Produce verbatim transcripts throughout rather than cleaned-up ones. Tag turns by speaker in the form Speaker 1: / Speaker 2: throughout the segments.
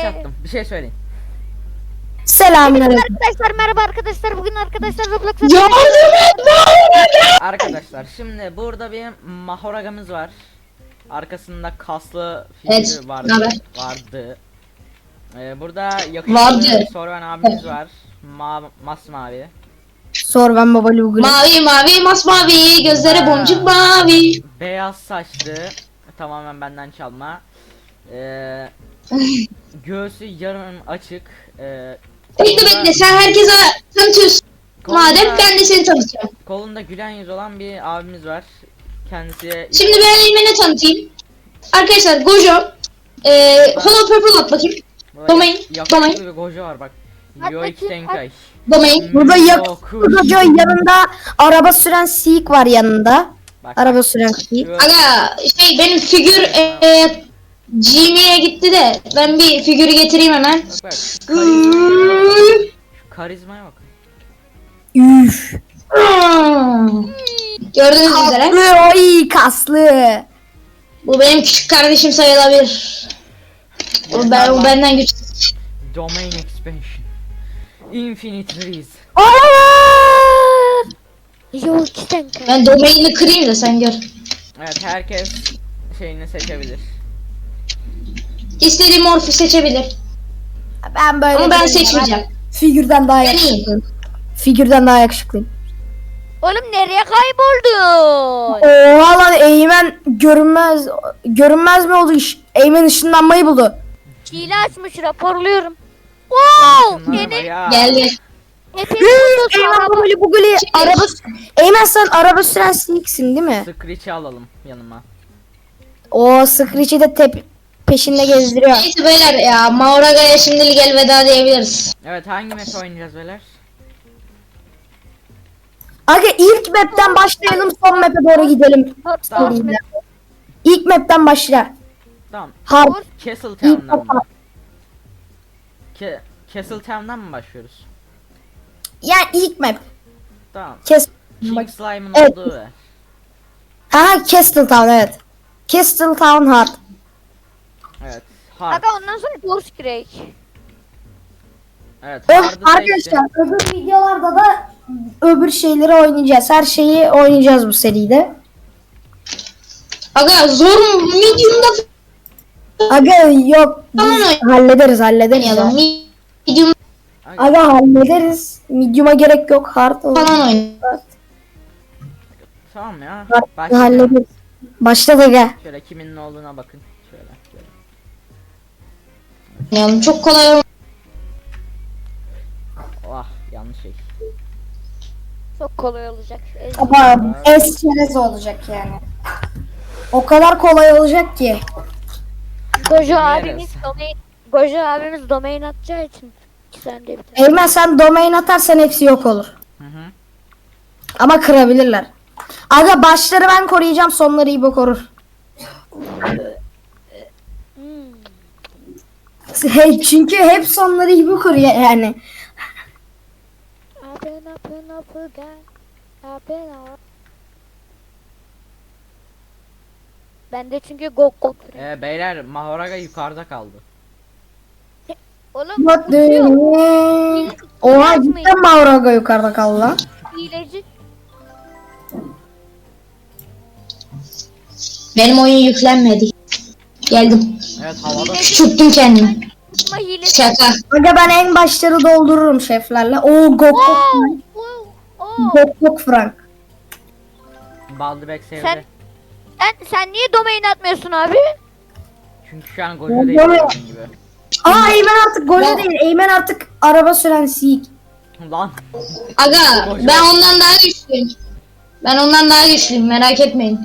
Speaker 1: başlattım. Bir şey söyleyin.
Speaker 2: Selamünaleyküm.
Speaker 3: Arkadaşlar merhaba arkadaşlar. Bugün arkadaşlar Roblox'a
Speaker 1: Arkadaşlar şimdi burada bir mahoragamız var. Arkasında kaslı
Speaker 4: Evet,
Speaker 1: figürü vardı.
Speaker 4: naber?
Speaker 1: vardı. Ee, burada
Speaker 4: Vardı.
Speaker 1: yakışıklı Sorven abimiz var. Ma masmavi.
Speaker 2: Sor ben baba Google.
Speaker 4: Mavi mavi masmavi gözleri
Speaker 1: Ha.
Speaker 4: boncuk mavi.
Speaker 1: Beyaz saçlı. Tamamen benden çalma. Ee, göğsü yarım açık. Ee,
Speaker 4: Bekle
Speaker 1: kolunda-
Speaker 4: bekle sen herkese tanıtıyorsun.
Speaker 1: kolunda-
Speaker 4: Madem ben de seni tanıtacağım.
Speaker 1: Kolunda gülen yüz olan bir abimiz var. Kendisi
Speaker 4: Şimdi ben Eymen'i tanıtayım. Arkadaşlar Gojo. Eee Hollow Purple at bakayım.
Speaker 1: Böyle
Speaker 4: Domain,
Speaker 1: yakışıklı
Speaker 4: domain.
Speaker 1: bir gojo var bak.
Speaker 3: At
Speaker 1: Yoik
Speaker 3: bakayım,
Speaker 1: Tenkai.
Speaker 4: Domain.
Speaker 2: Burada
Speaker 1: Yokuş.
Speaker 2: yakışıklı yanında araba süren Seek var yanında.
Speaker 1: Bak,
Speaker 2: Araba
Speaker 1: bak.
Speaker 2: süren Seek.
Speaker 1: Şu-
Speaker 4: Aga şey benim figür eee Gmail'e gitti de ben bir figürü getireyim hemen.
Speaker 1: Bak bak. Karizmaya, şu karizmaya bak.
Speaker 2: Üf.
Speaker 4: Gördüğünüz üzere
Speaker 2: Kaslı oy kaslı.
Speaker 4: bu benim küçük kardeşim sayılabilir. O, ben, o benden güçlü.
Speaker 1: Domain expansion. Infinite Reese.
Speaker 2: Olamaz.
Speaker 3: Yok sen kal.
Speaker 4: Ben domaini kırayım da sen gör.
Speaker 1: Evet, herkes şeyini seçebilir.
Speaker 4: İstediği morfu seçebilir.
Speaker 2: Ben böyle
Speaker 4: Ama ben
Speaker 2: değilim.
Speaker 4: seçmeyeceğim.
Speaker 2: Figürden daha
Speaker 4: Ben
Speaker 2: yakışıklıyım. Figürden daha yakışıklıyım.
Speaker 3: Oğlum nereye kayboldun?
Speaker 2: Oha lan Eymen görünmez görünmez mi oldu iş? Eymen ışınlanmayı buldu.
Speaker 3: Hile açmış raporluyorum. Wow!
Speaker 1: Şunlar
Speaker 3: Yeni
Speaker 1: bayağı-
Speaker 4: Geldi.
Speaker 3: hepiniz
Speaker 2: Eymen
Speaker 3: araba.
Speaker 2: böyle bu gülü araba Eymen sen araba süren Seek'sin değil mi?
Speaker 1: Screech'i alalım yanıma.
Speaker 2: O Screech'i de tep peşinde gezdiriyor.
Speaker 4: Neyse beyler ya Mauraga'ya şimdilik elveda diyebiliriz.
Speaker 1: Evet, hangi map oynayacağız beyler?
Speaker 2: Aga ilk map'ten başlayalım son map'e doğru gidelim.
Speaker 1: Tamam.
Speaker 2: Seriden. İlk map'ten başla.
Speaker 1: Tamam.
Speaker 2: Har
Speaker 1: Castle
Speaker 2: ilk
Speaker 1: Town'dan mı?
Speaker 2: map.
Speaker 1: Ke Castle Town'dan mı başlıyoruz?
Speaker 2: Yani ilk map.
Speaker 1: Tamam.
Speaker 2: Kes
Speaker 1: King Slime'ın
Speaker 2: Evet.
Speaker 1: olduğu ve
Speaker 2: Aha Castle Town evet. Castle Town Hard.
Speaker 1: evet. Hard.
Speaker 3: Aga ondan sonra Ghost Crack.
Speaker 1: Evet.
Speaker 2: Ö-
Speaker 1: Hard'ı seçtim.
Speaker 2: Arkadaşlar öbür videolarda da öbür şeyleri oynayacağız. Her şeyi oynayacağız bu seride.
Speaker 4: Aga zor mu? Medium'da
Speaker 2: Aga yok
Speaker 4: Tamam,
Speaker 2: biz hallederiz hallederiz.
Speaker 4: oynayalım.
Speaker 2: ya.
Speaker 4: Medium
Speaker 2: Aga hallederiz. Medium'a gerek yok. Hard olur.
Speaker 4: falan oynayalım.
Speaker 1: Tamam ya.
Speaker 2: Hard
Speaker 1: Başlayalım.
Speaker 2: hallederiz. Başladı aga.
Speaker 1: Şöyle kimin ne olduğuna bakın. Şöyle. şöyle.
Speaker 4: oynayalım. Çok kolay olmaz.
Speaker 1: Oh, yanlış şey.
Speaker 3: Çok kolay olacak.
Speaker 2: Ama es çerez olacak yani. O kadar kolay olacak ki.
Speaker 3: Gojo
Speaker 1: Neresi?
Speaker 3: abimiz domain Gojo abimiz domain atacağı için sen de bir tane.
Speaker 2: Eymen sen domain atarsan hepsi yok olur.
Speaker 1: Hı hı.
Speaker 2: Ama kırabilirler. Aga başları ben koruyacağım, sonları İbo korur.
Speaker 3: Hmm.
Speaker 2: Hey, çünkü hep sonları İbo koruyor yani.
Speaker 3: Abi ne yapıyor ne yapıyor gel. Abi ne yapıyor? Ben de çünkü gok gok.
Speaker 1: Ee, beyler Mahoraga yukarıda kaldı.
Speaker 3: Oğlum
Speaker 2: What the
Speaker 3: uçuyor.
Speaker 2: hell? Oha cidden Mauraga yukarıda kaldı lan.
Speaker 3: Hileci.
Speaker 4: Benim oyun yüklenmedi. Geldim.
Speaker 1: Evet, havada.
Speaker 4: Küçülttüm kendimi.
Speaker 3: Ama hileci.
Speaker 4: Şaka.
Speaker 2: Aga ben en başları doldururum şeflerle. Oo gok gok
Speaker 3: Wow.
Speaker 2: Frank.
Speaker 3: Wow. Oh.
Speaker 2: Gok gok Frank.
Speaker 1: Baldebek sevdi.
Speaker 3: Sen sen sen niye domain atmıyorsun abi?
Speaker 1: Çünkü şu an Gojo
Speaker 2: Ben
Speaker 1: değil
Speaker 2: böyle-
Speaker 1: gördüğün gibi.
Speaker 2: Aa Eymen artık golü
Speaker 4: Ya.
Speaker 2: değil. Eymen artık araba süren Seek.
Speaker 1: Lan.
Speaker 4: Aga ben ondan daha güçlüyüm. Ben ondan daha güçlüyüm merak etmeyin.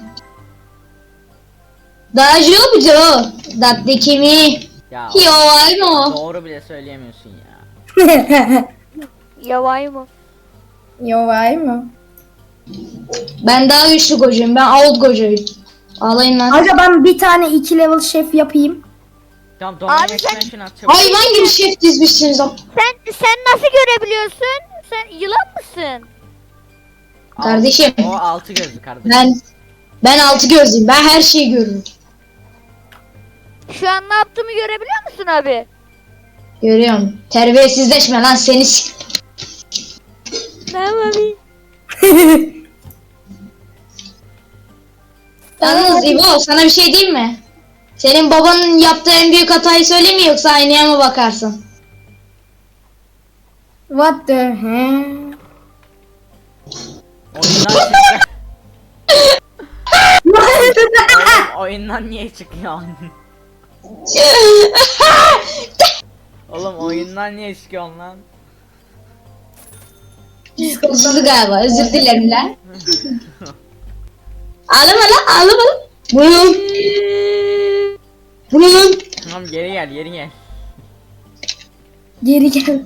Speaker 4: Daha yok mu o? Datlı kimi?
Speaker 1: Ya.
Speaker 4: Yo ay mı?
Speaker 1: Doğru bile söyleyemiyorsun ya.
Speaker 3: Yavay mı?
Speaker 2: Yo vay mı?
Speaker 4: Ben daha güçlü kocayım. Ben old kocayım. Ağlayın lan.
Speaker 2: Aga ben bir tane iki level şef yapayım.
Speaker 1: Tamam, Domain
Speaker 3: Abi sen-
Speaker 1: expansion at çabuk.
Speaker 4: Hayvan gibi şef dizmişsiniz ama.
Speaker 3: Sen sen nasıl görebiliyorsun? Sen yılan mısın?
Speaker 1: Al-
Speaker 4: Kardeşim.
Speaker 1: O altı gözlü kardeşim.
Speaker 4: Ben ben altı gözlüyüm. Ben her şeyi görürüm.
Speaker 3: Şu an ne yaptığımı görebiliyor musun abi?
Speaker 4: Görüyorum. Terbiyesizleşme lan seni s-
Speaker 3: Ne yapayım?
Speaker 4: Yalnız İbo sana bir şey diyeyim mi? Senin babanın yaptığı en büyük hatayı söyleyeyim mi yoksa aynaya mı bakarsın?
Speaker 2: What the hell?
Speaker 1: Oyundan çıktı. Oğlum, oyundan niye çıkıyorsun? Oğlum oyundan niye çıkıyorsun lan?
Speaker 4: Hırsızı galiba özür dilerim lan. Ağlama lan ağlama lan. Buyurun. Buyurun.
Speaker 1: Tamam geri gel geri gel.
Speaker 2: Geri gel.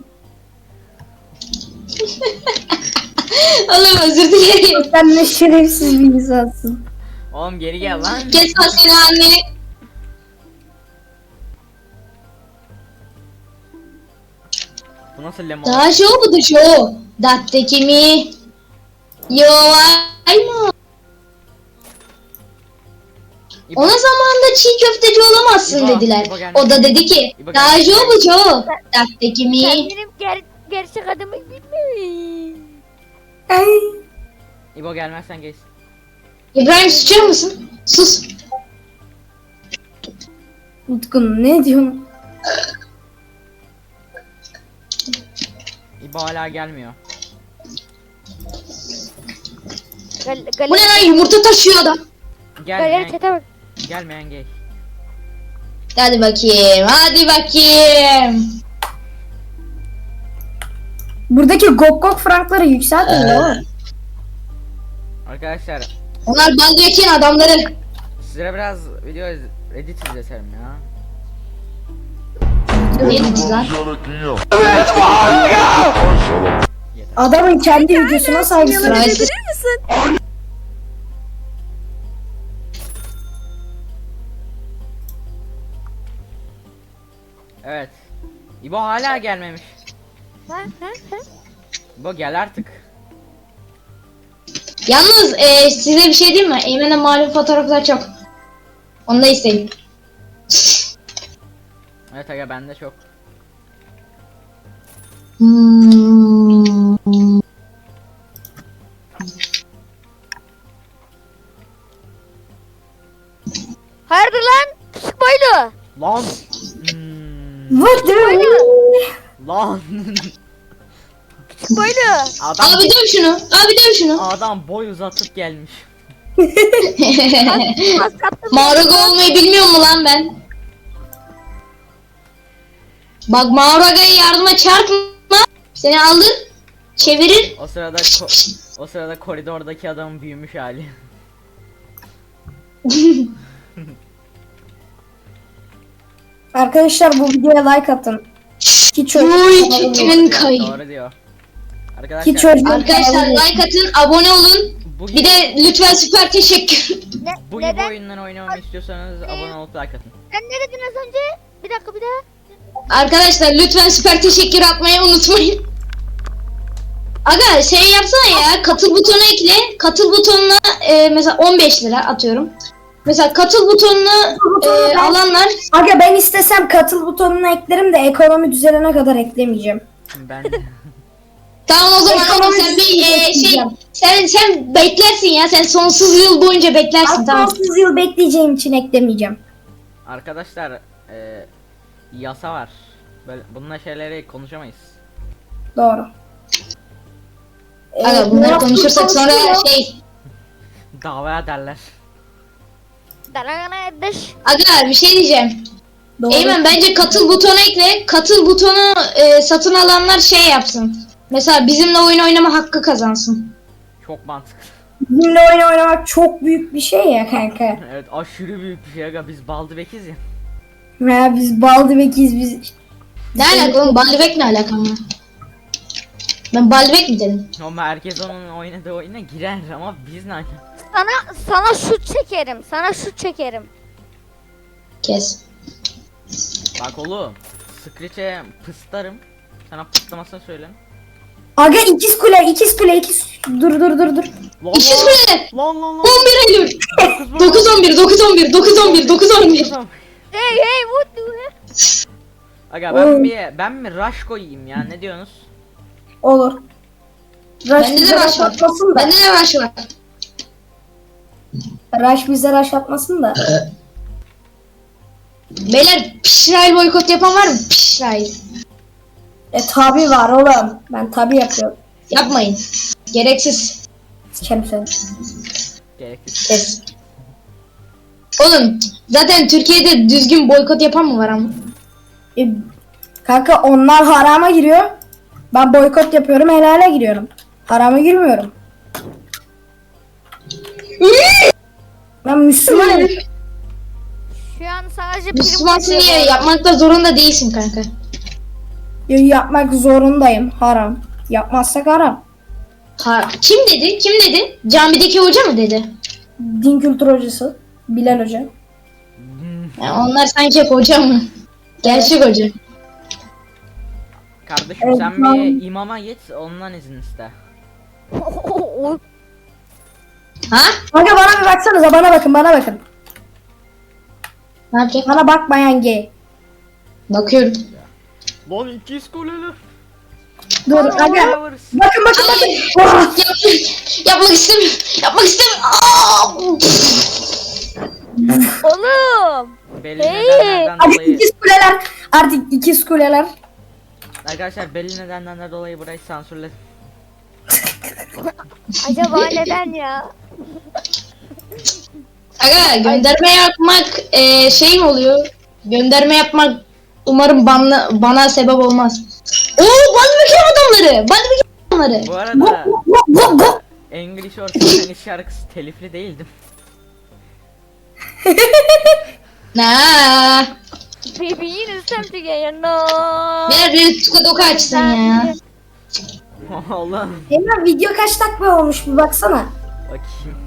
Speaker 4: Oğlum özür dilerim.
Speaker 2: Sen ne şerefsiz bir insansın.
Speaker 1: Oğlum geri gel lan.
Speaker 4: Kes lan seni anneni.
Speaker 1: Bu nasıl lemon?
Speaker 4: Daha show bu da show. Datteki mi? Yo ay mı?
Speaker 1: İbo,
Speaker 4: Ona zamanında çiğ köfteci olamazsın
Speaker 1: İbo,
Speaker 4: dediler.
Speaker 1: İbo gelmiş.
Speaker 4: O da dedi ki
Speaker 1: İbo
Speaker 4: daha
Speaker 1: gelmiş.
Speaker 4: show bu show. Datteki mi?
Speaker 3: Sen benim ger gerçek adımı bilmiyorsun.
Speaker 2: Ay.
Speaker 1: İbo gelmezsen geç.
Speaker 4: İbrahim susar mısın? Sus.
Speaker 2: Utkun ne diyorsun?
Speaker 1: İbo hala gelmiyor.
Speaker 3: Gal
Speaker 4: Bu ne
Speaker 3: galeri,
Speaker 4: lan yumurta taşıyor adam.
Speaker 3: galeri
Speaker 1: Gelmeyen,
Speaker 3: çete bak.
Speaker 1: gelmeyen gay.
Speaker 4: Hadi bakayım hadi bakayım.
Speaker 2: Buradaki gok gok frankları yükseltin ya.
Speaker 1: Arkadaşlar
Speaker 4: Onlar Baldwin'in adamları.
Speaker 1: size biraz video iz- edit izletelim ya.
Speaker 4: Neyiniz lan?
Speaker 2: Adamın kendi videosuna saygısı var.
Speaker 4: Sırayla-
Speaker 1: Evet. İbo hala gelmemiş.
Speaker 3: Ha ha ha.
Speaker 1: İbo gel artık.
Speaker 4: Yalnız e, size bir şey diyeyim mi? Eymen'e malum fotoğraflar çok. Onu da isteyin.
Speaker 1: Evet aga bende çok.
Speaker 4: Hmm.
Speaker 3: Hayırdır lan? Küçük boylu.
Speaker 1: Lan. Hmm.
Speaker 2: What the hell?
Speaker 1: Lan.
Speaker 3: Küçük boylu.
Speaker 1: Adam
Speaker 4: Abi döv şunu. Abi döv şunu.
Speaker 1: adam boy uzatıp gelmiş.
Speaker 3: Az kaptım.
Speaker 4: Mağaraga olmayı bilmiyor mu lan ben? Bak Mağaraga'ya yardıma çarpma. Seni alır. Çevirir.
Speaker 1: O sırada ko- o sırada koridordaki adamın büyümüş hali.
Speaker 2: Arkadaşlar bu videoya like atın. Hiç
Speaker 4: Uy kimin kayı.
Speaker 1: Doğru diyor. Arkadaşlar
Speaker 2: Hiç çocuğun
Speaker 4: Arkadaşlar
Speaker 2: kanalı yok.
Speaker 4: like atın, abone olun.
Speaker 1: bu
Speaker 4: Bir de lütfen süper teşekkür.
Speaker 3: Ne,
Speaker 1: bu gibi
Speaker 3: neden?
Speaker 1: oyundan oynamamı istiyorsanız abone olup like atın.
Speaker 3: Sen ne dedin az önce? Bir dakika bir daha.
Speaker 4: Arkadaşlar lütfen süper teşekkür atmayı unutmayın. Aga şey yapsana ya, katıl butonu ekle. Katıl butonuna e, mesela on beş lira atıyorum. Mesela katıl butonunu
Speaker 2: butonu
Speaker 4: e,
Speaker 2: ben-
Speaker 4: alanlar
Speaker 2: Aga ben istesem katıl butonunu eklerim de ekonomi düzelene kadar eklemeyeceğim.
Speaker 1: Ben
Speaker 4: tamam o zaman ama
Speaker 2: Ekonomi
Speaker 4: sen bir e, şey
Speaker 2: bekleyeceğim.
Speaker 4: sen sen beklersin ya, sen sonsuz yıl boyunca beklersin tamam.
Speaker 2: Sonsuz yıl bekleyeceğim için eklemeyeceğim.
Speaker 1: arkadaşlar e, yasa var. Böyle bununla şeyleri konuşamayız.
Speaker 2: Doğru.
Speaker 4: Aga
Speaker 2: Ee,
Speaker 4: bunları
Speaker 2: Murat
Speaker 4: konuşursak sonra
Speaker 2: konuşuyor.
Speaker 4: şey
Speaker 1: Dava ederler.
Speaker 3: Dalagana dış.
Speaker 4: Aga bir şey diyeceğim.
Speaker 2: Doğru.
Speaker 4: Eymen bence katıl butonu ekle. Katıl butonu e, satın alanlar şey yapsın. Mesela bizimle oyun oynama hakkı kazansın.
Speaker 1: Çok mantıklı.
Speaker 2: Bizimle oyun oynamak çok büyük bir şey ya kanka.
Speaker 1: Evet aşırı büyük bir şey aga biz baldı bekiz ya.
Speaker 2: Ya biz baldı bekiz biz.
Speaker 4: Ne alaka oğlum? Baldebek ne alaka mı? Ben Baldebek mi dedim?
Speaker 1: Ama herkes onun oynadığı oyuna girer ama biz ne alaka?
Speaker 3: Sana sana şut çekerim. Sana şut çekerim.
Speaker 4: Kes.
Speaker 1: Bak oğlum Screech'e pıstarım. Sana pıslamasını söyle.
Speaker 2: Aga ikiz kule ikiz kule ikiz. Dur dur dur dur.
Speaker 1: Lan
Speaker 4: İkiz
Speaker 1: lan
Speaker 4: kule.
Speaker 1: lan lan lan.
Speaker 4: on bir Eylül. dokuz on bir dokuz on bir dokuz on bir dokuz on bir.
Speaker 3: Hey hey what do you
Speaker 1: Aga ben
Speaker 2: Oğlum.
Speaker 1: bir ben mi rush koyayım ya, ne diyorsunuz?
Speaker 2: Olur. Rush
Speaker 4: Bende de
Speaker 2: bize
Speaker 4: rush
Speaker 2: rush
Speaker 4: var.
Speaker 2: atmasın da.
Speaker 4: Bende de rush var.
Speaker 2: Rush bize rush atmasın da.
Speaker 4: Beyler Pişrail boykot yapan var mı? Pişrail.
Speaker 2: E tabi var oğlum. Ben tabi yapıyorum.
Speaker 4: Yapmayın. Gereksiz.
Speaker 2: Sikerim seni.
Speaker 1: Gerekli.
Speaker 4: Kes. Oğlum zaten Türkiye'de düzgün boykot yapan mı var ama?
Speaker 2: E, kanka onlar harama giriyor. Ben boykot yapıyorum, helale giriyorum. Harama girmiyorum. Ben Müslümanım.
Speaker 3: Şu an sadece
Speaker 4: Müslümansın
Speaker 3: prim
Speaker 4: diye yapmakta zorunda değilsin kanka.
Speaker 2: Yapmak zorundayım. Haram. Yapmazsak haram.
Speaker 4: Ha, kim dedi? Kim dedi? Camideki hoca mı dedi?
Speaker 2: Din kültür hocası. Bilal Hoca.
Speaker 4: Ya onlar sanki hep hoca mı? Gerçek hoca.
Speaker 1: Kardeşim
Speaker 2: Evet,
Speaker 1: sen
Speaker 2: ben-
Speaker 1: bir imama git, ondan izin iste.
Speaker 4: Ha?
Speaker 2: Kanka bana bir baksanıza, bana bakın, bana bakın.
Speaker 4: Ne yapacak?
Speaker 2: Bana bakmayan gay.
Speaker 4: Bakıyorum.
Speaker 1: Lan ikiz kuleler.
Speaker 2: Dur aga. Bakın bakın bakın.
Speaker 4: Yap, yapmak istemiyorum. Yapmak istemiyorum. Aa!
Speaker 3: Oğlum.
Speaker 1: Belli
Speaker 3: Hey!
Speaker 1: nedenlerden
Speaker 2: Artık
Speaker 1: dolayı
Speaker 2: ikiz kuleler. Artık ikiz kuleler.
Speaker 1: arkadaşlar belli nedenlerden dolayı burayı sansürledim.
Speaker 3: Acaba neden ya?
Speaker 4: Aga gönderme yapmak e, şey mi oluyor? Gönderme yapmak umarım bana, bana sebep olmaz. Oo Balbekir adamları. Balbekir adamları.
Speaker 1: Bu
Speaker 2: Go,
Speaker 1: arada
Speaker 2: go, go, go.
Speaker 1: English or Spanish şarkısı telifli değildim.
Speaker 4: Na.
Speaker 3: Baby yine something you know.
Speaker 4: Ver bir tuka doka açsın ya.
Speaker 1: Allah'ım.
Speaker 2: Hemen video kaç dakika olmuş bir baksana.
Speaker 1: Bakayım.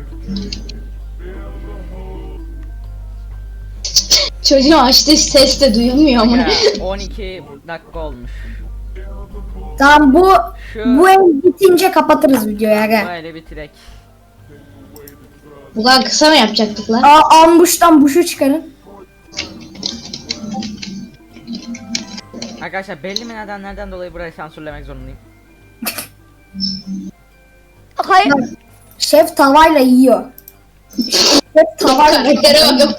Speaker 4: Çocuğun açtığı ses de duyulmuyor ama.
Speaker 1: Ya, on iki dakika olmuş.
Speaker 2: Tamam bu
Speaker 1: Şu
Speaker 2: bu el bitince kapatırız videoyu aga.
Speaker 1: böyle bitirek.
Speaker 4: Bu kadar kısa mı yapacaktık lan?
Speaker 2: Aa, ambuştan buşu çıkarın.
Speaker 1: Arkadaşlar belli mi nedenlerden dolayı burayı sansürlemek zorundayım.
Speaker 3: Hayır.
Speaker 2: Şef tavayla yiyor. Şef tavayla
Speaker 4: Karaktere bakın.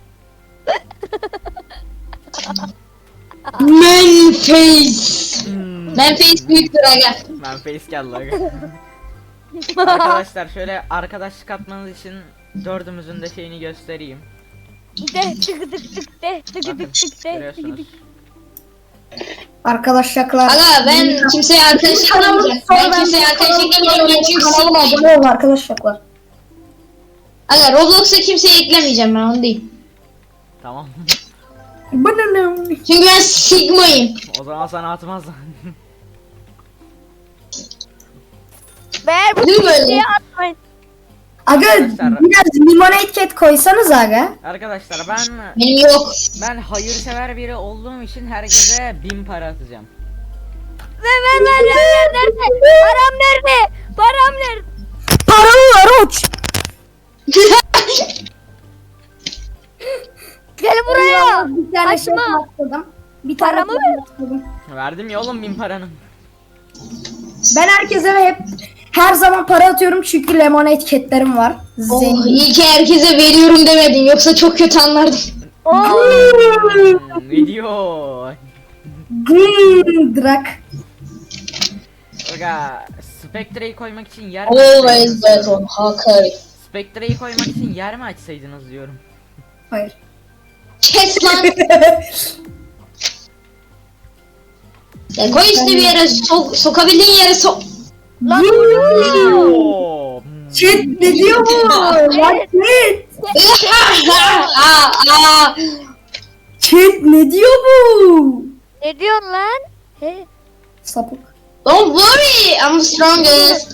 Speaker 4: Man face.
Speaker 1: Hmm,
Speaker 4: Man face büyüktür aga.
Speaker 1: ben face geldi aga. Arkadaşlar şöyle arkadaşlık atmanız için dördümüzün de şeyini göstereyim.
Speaker 3: De tık tık tık de tık
Speaker 1: Bakın
Speaker 3: tık tık de tık
Speaker 1: görüyorsunuz.
Speaker 3: tık.
Speaker 2: Arkadaşlar.
Speaker 4: Aga ben kimseye arkadaş eklemeyeceğim. Ben kimseye arkadaş eklemeyeceğim. Ben çünkü
Speaker 2: Kanalıma
Speaker 4: sevmiyorum.
Speaker 2: abone olun arkadaşlar.
Speaker 4: Aga Roblox'a kimseye eklemeyeceğim ben onu değil.
Speaker 1: Tamam.
Speaker 2: Bananam.
Speaker 4: Çünkü ben Sigma'yım.
Speaker 1: O zaman sana atmaz.
Speaker 3: Ver bu
Speaker 4: Değil mi böyle?
Speaker 3: diye atmayın.
Speaker 2: Aga
Speaker 1: Arkadaşlar-
Speaker 2: biraz limonade cat koysanız aga.
Speaker 1: Arkadaşlar ben
Speaker 4: Benim yok.
Speaker 1: ben hayırsever biri olduğum için herkese bin para atacağım.
Speaker 3: Ver ver ver ver ver nerede? Param nerede? Param nerede?
Speaker 2: Paralı var uç.
Speaker 3: Gel buraya.
Speaker 2: Bir tane şey
Speaker 3: Açma.
Speaker 2: bastırdım. Bir tane
Speaker 3: Paramı
Speaker 2: şey
Speaker 3: ver.
Speaker 2: bastırdım.
Speaker 1: Verdim ya oğlum bin paranın.
Speaker 2: Ben herkese hep her zaman para atıyorum çünkü lemonade catlerim var.
Speaker 4: Oh,
Speaker 2: Zengin.
Speaker 4: iyi ki herkese veriyorum demedin. Yoksa çok kötü anlardım.
Speaker 3: Oo.
Speaker 1: Hmm, video.
Speaker 2: Hmm, Drak.
Speaker 1: Aga Spectre'yi koymak için yer mi
Speaker 4: Always
Speaker 1: açsaydınız
Speaker 4: bet
Speaker 1: diyorum.
Speaker 4: on Hakari.
Speaker 1: Spectre'yi koymak için yer mi açsaydınız diyorum.
Speaker 2: Hayır.
Speaker 4: Kes lan. Ya koy işte bir yere sok, sokabildiğin yere sok.
Speaker 3: Lan
Speaker 1: Oo. Hmm.
Speaker 2: Chat ne diyor bu? Lan chat.
Speaker 4: aa, aa.
Speaker 2: Chat ne diyor bu?
Speaker 3: ne diyorsun lan? He.
Speaker 2: Sapık.
Speaker 4: Don't worry, I'm the strongest.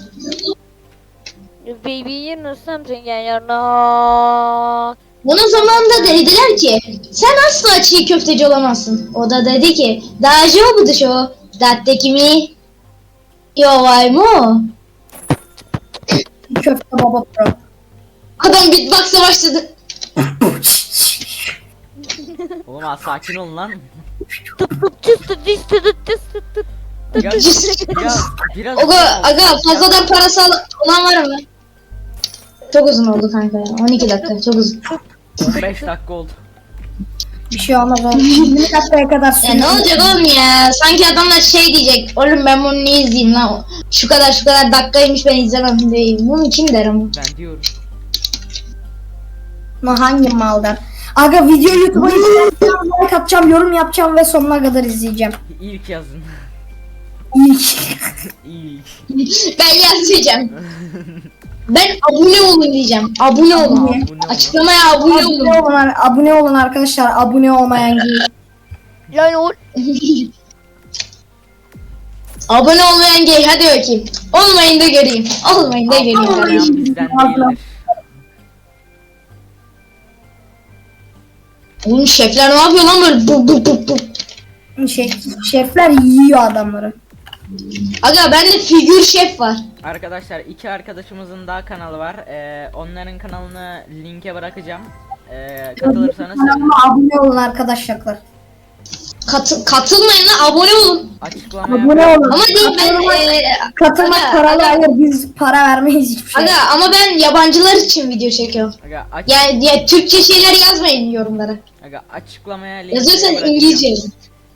Speaker 3: Baby you know something and you're not.
Speaker 4: Bunun zamanında dediler ki sen asla çiğ köfteci olamazsın. O da dedi ki daji o bu dışo. Datteki mi? Yo vay mu?
Speaker 2: Köfte baba pro.
Speaker 4: Adam beatbox'a başladı.
Speaker 1: Oğlum az sakin olun lan.
Speaker 3: Tıp tıp tıs tıs tıs tıs tıs tıs tıs.
Speaker 1: Ya, ya biraz
Speaker 4: Aga, aga fazladan parası al- olan var mı? Çok uzun oldu kanka ya. on iki dakika çok uzun.
Speaker 1: on beş dakika oldu.
Speaker 2: Bir şey olmaz oğlum. yirmi dakikaya kadar
Speaker 4: Ya
Speaker 2: sürüyor.
Speaker 4: ne olacak oğlum ya? Sanki adamlar şey diyecek. Oğlum ben bunu niye izleyeyim lan? Şu kadar şu kadar dakikaymış ben izlemem değil. Bunu kim der ama?
Speaker 1: Ben diyorum.
Speaker 2: Ama hangi maldan? Aga video YouTube'a izleyeceğim, like atacağım, yorum yapacağım ve sonuna kadar izleyeceğim.
Speaker 1: İlk yazın.
Speaker 2: İlk.
Speaker 1: İlk.
Speaker 4: Ben yazacağım. Ben abone olun diyeceğim. Abone olun.
Speaker 2: Abone.
Speaker 1: Abone olun.
Speaker 4: Açıklamaya abone
Speaker 2: Abone
Speaker 4: olun.
Speaker 2: olun, abone olun arkadaşlar. Abone olmayan gibi.
Speaker 3: Yani o
Speaker 4: Abone olmayan gay hadi bakayım. Olmayın da göreyim. Olmayın da göreyim.
Speaker 2: Olmayın.
Speaker 4: kardeşim.
Speaker 1: Olmayan bizden
Speaker 2: Abla.
Speaker 1: değildir.
Speaker 4: Oğlum şefler ne yapıyor lan böyle bu bu bu bu.
Speaker 2: Şey, şefler yiyor adamları.
Speaker 4: Aga bende figür şef var.
Speaker 1: Arkadaşlar iki arkadaşımızın daha kanalı var. Ee, onların kanalını linke bırakacağım. Ee, katılırsanız sevinirim.
Speaker 2: Kanalıma abone olun arkadaşlar.
Speaker 4: Katı, katılmayın lan abone olun.
Speaker 1: Açıklamaya
Speaker 2: Abone olun.
Speaker 4: Ama değil ben
Speaker 2: Katılmak,
Speaker 4: eee,
Speaker 2: katılmak
Speaker 4: aga,
Speaker 2: paralı,
Speaker 4: aga.
Speaker 2: hayır biz para vermeyiz hiçbir şey.
Speaker 4: Aga ama ben yabancılar için video çekiyorum.
Speaker 1: Aga, aç,
Speaker 4: Yani ya, Türkçe şeyler yazmayın yorumlara.
Speaker 1: aga, açıklamaya linke
Speaker 4: Yazıyorsan
Speaker 1: bırakacağım.
Speaker 4: İngilizce yazın.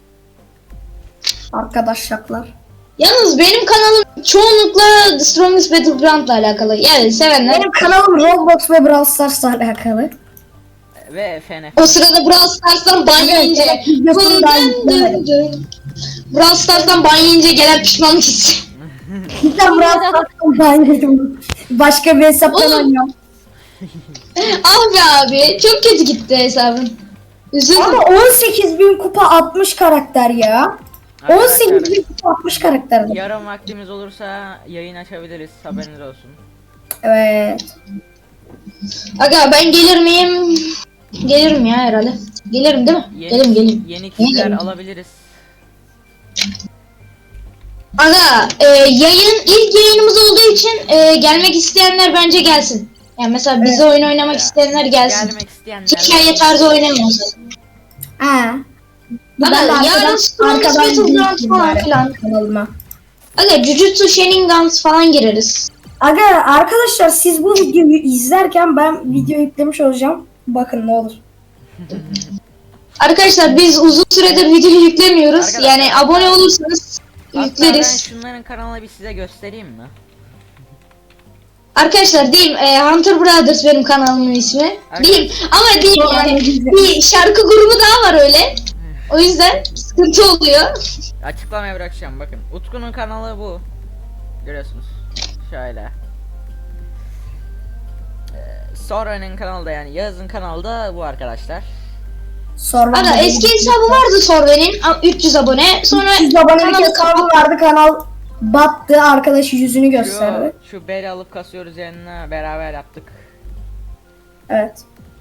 Speaker 2: Arkadaşlar.
Speaker 4: Yalnız benim kanalım çoğunlukla The Strongest Battleground'la alakalı. Yani sevenler.
Speaker 2: Benim kanalım Roblox ve Brawl Stars'la alakalı.
Speaker 1: Ve F N F.
Speaker 4: O sırada Brawl Stars'tan ban
Speaker 2: Evet,
Speaker 4: yiyince.
Speaker 2: evet, videosunu daha yüklemedim.
Speaker 4: Brawl Stars'tan ban yiyince gelen pişmanlık hissi.
Speaker 2: Cidden Brawl Stars'tan daha yedim. Başka bir hesaptan
Speaker 4: Oğlum.
Speaker 2: oynuyorum.
Speaker 4: Ah be abi çok kötü gitti hesabın. Üzüldüm.
Speaker 2: Ama on sekiz bin kupa altmış karakter ya. on sekiz bin kupa altmış karakter.
Speaker 1: Yarın vaktimiz olursa yayın açabiliriz. Haberiniz olsun.
Speaker 2: Evet.
Speaker 4: Aga ben gelir miyim? Gelirim ya herhalde. Gelirim değil mi?
Speaker 1: Yeni,
Speaker 4: Gelirim gelirim.
Speaker 1: yeni kişiler
Speaker 4: Gelirim.
Speaker 1: alabiliriz.
Speaker 4: Aga e, yayın ilk yayınımız olduğu için e, gelmek isteyenler bence gelsin. Yani mesela bize oyun oynamak
Speaker 1: Ya,
Speaker 4: isteyenler gelsin.
Speaker 1: Gelmek isteyenler.
Speaker 4: Hikaye tarzı oynamıyoruz.
Speaker 2: Ha.
Speaker 4: Aga
Speaker 2: Ben de
Speaker 4: yarın
Speaker 2: arkadan-
Speaker 4: Strongest
Speaker 2: arkadan
Speaker 4: Battleground
Speaker 2: izleyeyim
Speaker 4: falan
Speaker 2: bari
Speaker 4: filan.
Speaker 2: kanalıma.
Speaker 4: Aga Jujutsu Shenanigans falan gireriz.
Speaker 2: Aga arkadaşlar siz bu videoyu izlerken ben video yüklemiş olacağım. Bakın ne olur.
Speaker 4: Arkadaşlar biz uzun süredir video yüklemiyoruz.
Speaker 1: Arkadaşlar-
Speaker 4: Yani abone olursanız
Speaker 1: Hatta ben
Speaker 4: yükleriz.
Speaker 1: şunların kanalına bir size göstereyim mi?
Speaker 4: Arkadaşlar diyeyim e, Hunter Brothers benim kanalımın ismi.
Speaker 1: Arkadaşlar-
Speaker 4: Diyeyim ama diyeyim
Speaker 2: Sonra
Speaker 4: yani
Speaker 2: ne diyeceğim?
Speaker 4: bir şarkı grubu daha var öyle. O yüzden sıkıntı oluyor.
Speaker 1: Açıklamaya bırakacağım bakın. Utku'nun kanalı bu. Görüyorsunuz. Şöyle. Ee, Sora'nın kanalı da yani Yağız'ın kanalı da bu arkadaşlar.
Speaker 2: Sonra
Speaker 4: Aga eski hesabı vardı Sorve'nin üç yüz abone. Sonra
Speaker 2: yüz abonelik
Speaker 4: kanalı
Speaker 2: hesabı vardı, kanal battı, arkadaş yüzünü gösterdi.
Speaker 1: Şu, şu beri alıp kasıyoruz yanına beraber yaptık.
Speaker 2: Evet.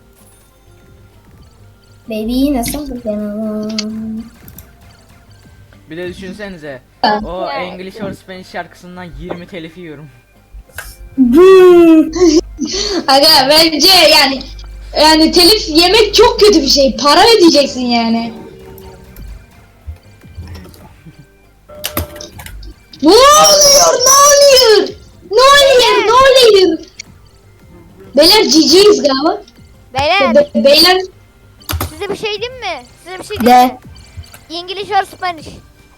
Speaker 2: Baby nasıl benim?
Speaker 1: Bir de düşünsenize.
Speaker 4: Ha.
Speaker 1: O English or Spanish şarkısından yirmi telif yiyorum.
Speaker 2: Hmm.
Speaker 4: Aga bence yani yani telif yemek çok kötü bir şey. Para ödeyeceksin yani. Ne oluyor? Ne oluyor? Ne oluyor? Ne oluyor? Beyler ciciyiz galiba.
Speaker 3: beyler
Speaker 4: Be- beyler
Speaker 3: size bir şey diyeyim mi? Size bir şey diyeyim
Speaker 2: De.
Speaker 3: mi? İngiliz or Spanish.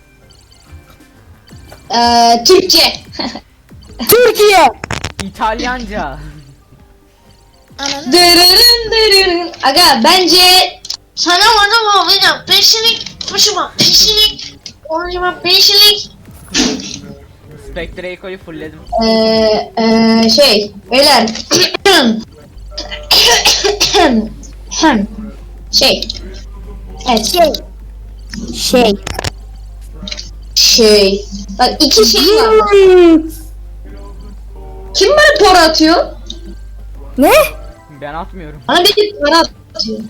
Speaker 4: eee Türkçe.
Speaker 2: Türkiye.
Speaker 1: İtalyanca.
Speaker 3: Ananı.
Speaker 4: Dırırın dırırın. Aga bence sana bana bakacağım. Peşinik. Başıma peşinik. Orucuma peşinik.
Speaker 1: Spectre Eco'yu fullledim.
Speaker 4: Eee eee şey beyler. Hem şey. Evet.
Speaker 2: Şey. Şey.
Speaker 4: Şey. Bak iki şey var.
Speaker 2: Hmm.
Speaker 4: Kim bana para atıyor?
Speaker 2: Ne?
Speaker 1: Ben atmıyorum.
Speaker 4: Bana bir para atıyor.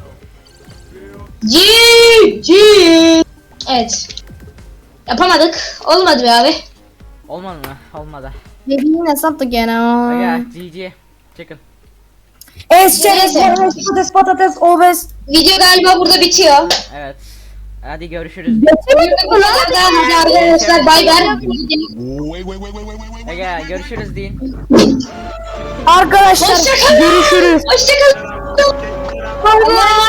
Speaker 4: Ci ci. Evet. Yapamadık. Olmadı be abi.
Speaker 1: Olmadı mı? Olmadı.
Speaker 2: Baby nasıl gene?
Speaker 1: Aga G G. Çıkın.
Speaker 2: Es çerez,
Speaker 4: Neyse.
Speaker 2: patates, patates, patates, obez.
Speaker 4: Video galiba burada bitiyor.
Speaker 1: Evet. Hadi görüşürüz.
Speaker 2: Geçemedik mi lan?
Speaker 4: Hadi arkadaşlar bay bay.
Speaker 5: Wait, wait, wait, wait, wait, wait, wait.
Speaker 1: Ege görüşürüz deyin.
Speaker 2: Arkadaşlar
Speaker 4: Hoşçakalın.
Speaker 2: görüşürüz.
Speaker 4: Hoşçakalın. Allah.